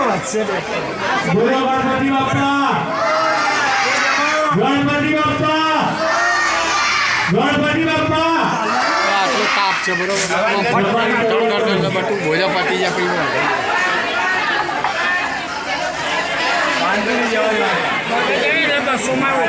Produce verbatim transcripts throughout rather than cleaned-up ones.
બોલો ગણપતિ બાપા, ગણપતિ બાપા, ગણપતિ બાપા. આટલો તાપ છે બરોબર. બટું ભોજા પતી જાય પીવું બસોમાં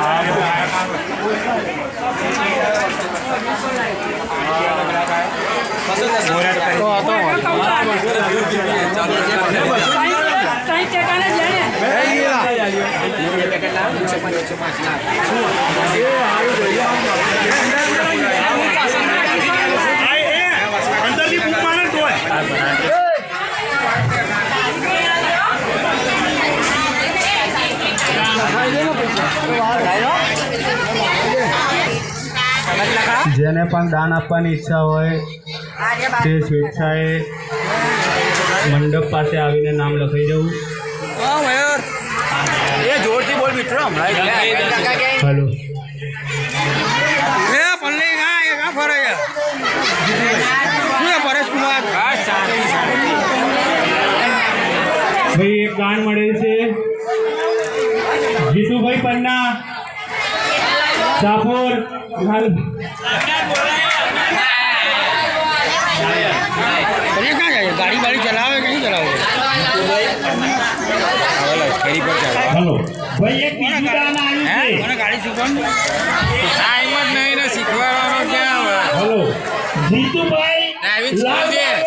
જેને પણ દાન આપવાની ઈચ્છા હોય તે સ્વેચ્છાએ મંડપ પાસે આવીને નામ લખાઈ જવું. એ જોરથી બોલ મિત્રો હમણાં હલો એ પલ્લી ના એ કા ફરે છે શું પરેશ કુમાર ભાઈ એક દાન મળેલ છે જીતુભાઈ પન્ના સાપોર. ગાડી બાડી ચલાવે કે નહીં ચલાવે હલો ભાઈ એક બીજું દાન આવ્યું છે. મને ગાડી શીખવાનું ટાઈમ જ નહીં ને શીખવાડવાનો ક્યાં હલો જીતુભાઈ ડ્રાઇવિંગ સ્કૂલ છે.